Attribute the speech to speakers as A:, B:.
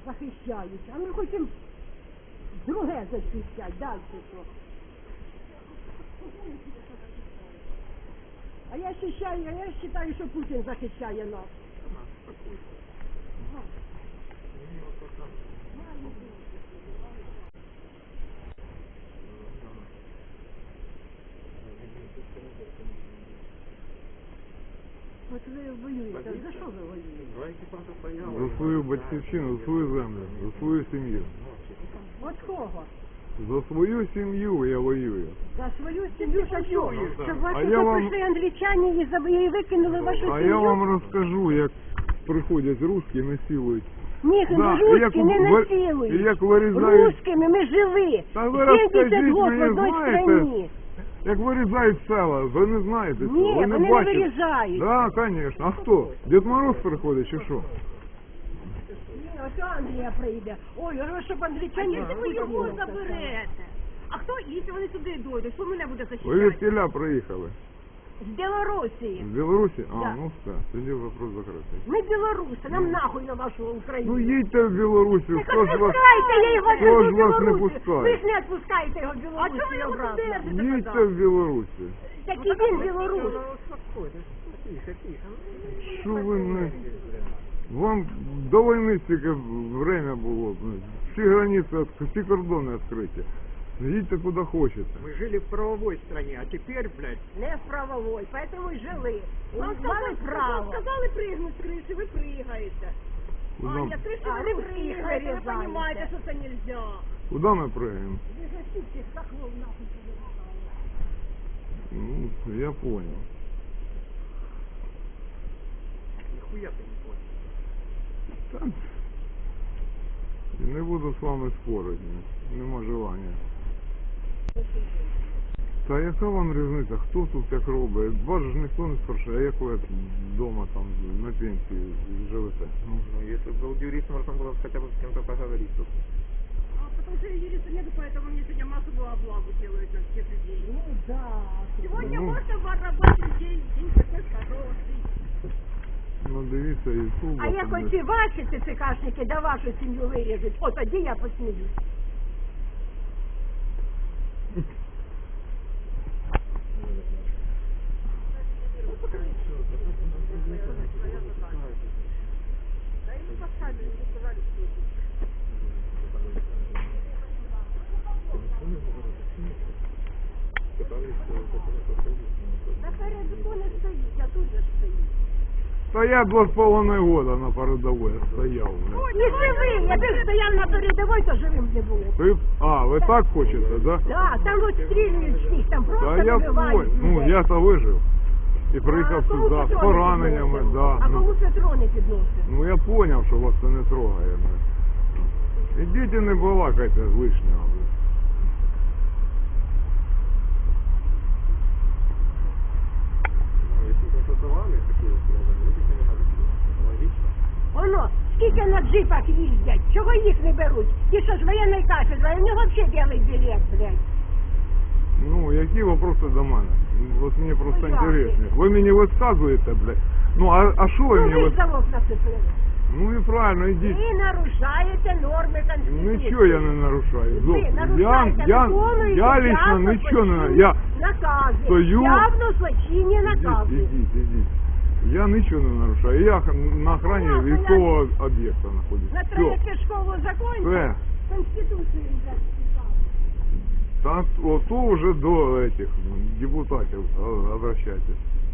A: захищають, а ми хочемо друге захищати, далі що. А я вважаю, що Путін захищає нас. От ви воюєте, за що ви воюєте?
B: За свою батьківщину, за свою землю, за свою сім'ю.
A: От кого?
B: За свою сім'ю я воюю.
A: За свою сім'ю за що? Щоб вас
B: А я вам-
A: прийшли англічані і викинули вашу сім'ю?
B: А я вам розкажу, як приходять русські і насилують.
A: Ні,
B: Да,
A: русські не
B: і
A: насилують.
B: як вирізають,
A: Русскими ми жили.
B: Та ви
A: 70
B: розкажіть
A: років в
B: мені,
A: одній
B: знаєте,
A: країні.
B: як вирізають села, ви не знаєте цього,
A: Ні,
B: ви не
A: вони не
B: бачите.
A: вирізають.
B: Да, конечно. А хто? Дед Мороз приходить чи що?
A: Ні, ось Англія прийде. Ой, щоб англічані...
C: Якщо ви його заберете, а хто, якщо вони сюди дойдуть, хто мене буде
B: Ви
C: захищати?
B: від тіля приїхали.
A: З Білорусі.
B: З Білорусі? А,
A: Да.
B: ну все, тоді вопрос закритий.
A: Ми білоруси, нам нахуй на вашу Україну.
B: Ну їдьте в Білорусі,
A: Так
B: хто ж вас...
A: відпускайте, я його
B: хто ж
A: везу в
B: вас не
A: Білорусі.
B: пускає?
A: Ви ж не відпускаєте його в
C: А
A: Білорусі
C: чого ви його
A: обратно.
C: туди держите?
B: Їдьте в Білорусі.
A: Такий він білорус.
B: Що ви не... Вам до війни стільки время було. Всі границі, всі кордони відкриті. Їдьте куди хочете.
D: Мы жили в правовой стране, а теперь, блядь,
A: Не в правовой, поэтому і жили.
C: Вам
A: Мали право.
C: сказали пригнути з криші, ви пригаєте.
B: Куди,
C: Аня, з криші
A: А,
C: ви не
A: русських
C: пригаєте, ви
A: вирізаєте.
C: розумієте, що це нельзя.
B: куди ми приїдемо?
A: Ви ж всіх цих хохлов нахуй повирізали.
B: Ну, я понял.
D: нихуя ты не понял.
B: Та, не буду з вами спорити, нема желання. Та яка вам різниця, хто тут як робить? Вас ж ніхто не спрашиває, а як ви вдома там на пенсії живете? Ну,
D: Ну, если бы был юрист, можно было хотя бы с кем-то поговорить тут.
C: А потому что юриста нету, поэтому мне сегодня массовую облаву делают на всех людей.
A: Ну да.
C: Сегодня
B: Ну.
C: можно воровать людей, день такой хороший.
B: ну дивіться, Ютуб.
A: А як оці ваші ЦЦКшники да вашу сім'ю виріжуть, от тоді я посміюсь. Напередку не стоїть, а тут же стоїть.
B: Та я 2,5 года на передовій стояв. блядь.
A: І живим, якби стояв на передовій, то живим не було.
B: Ви так хочете, да?
A: Да, там от стрілюють всіх, там просто
B: Та я
A: вибивають
B: понял. Ну,
A: людей.
B: я-то вижив. І приїхав
A: А кому
B: сюди з
A: Петро не
B: пораненнями,
A: підносив?
B: да.
A: А
B: Ну,
A: кому Петро не підносив?
B: ну я поняв, що вас це не трогає. блядь. Ідіть і не балакайте лишнього. блядь.
D: Ну, если бы создавали такие условия, люди бы не нарушили. Логично.
A: Воно, скільки на джипах їздять, чого їх не беруть? Ті, що з воєнної кафедри, у нього взагалі білий білет, блядь.
B: Ну, які вопроси до мене? От мені просто
A: Ну, як?
B: інтересно. Ви мені висказуєте, блядь. Ну, а що ви
A: Ну
B: мені
A: ви ж
B: висказуєте?
A: завод нацепили.
B: Ну і правильно, ідіть.
A: Ви нарушаєте норми Конституції.
B: Нічого я не нарушаю.
A: Ви
B: Зовсім.
A: нарушаєте,
B: я
A: виконуєте
B: лично
A: явно
B: нічого не...
A: злочинні
B: Я
A: накази.
B: стою...
A: Явно злочинні накази.
B: Ідіть. Я нічого не нарушаю. Я на охрані
A: Понятно,
B: військового об'єкта знаходжусь.
A: На
B: Все.
A: третє школу закончив,
B: Все.
A: Конституцію вже списав.
B: Так, ото вже до этих депутатів обращайтесь.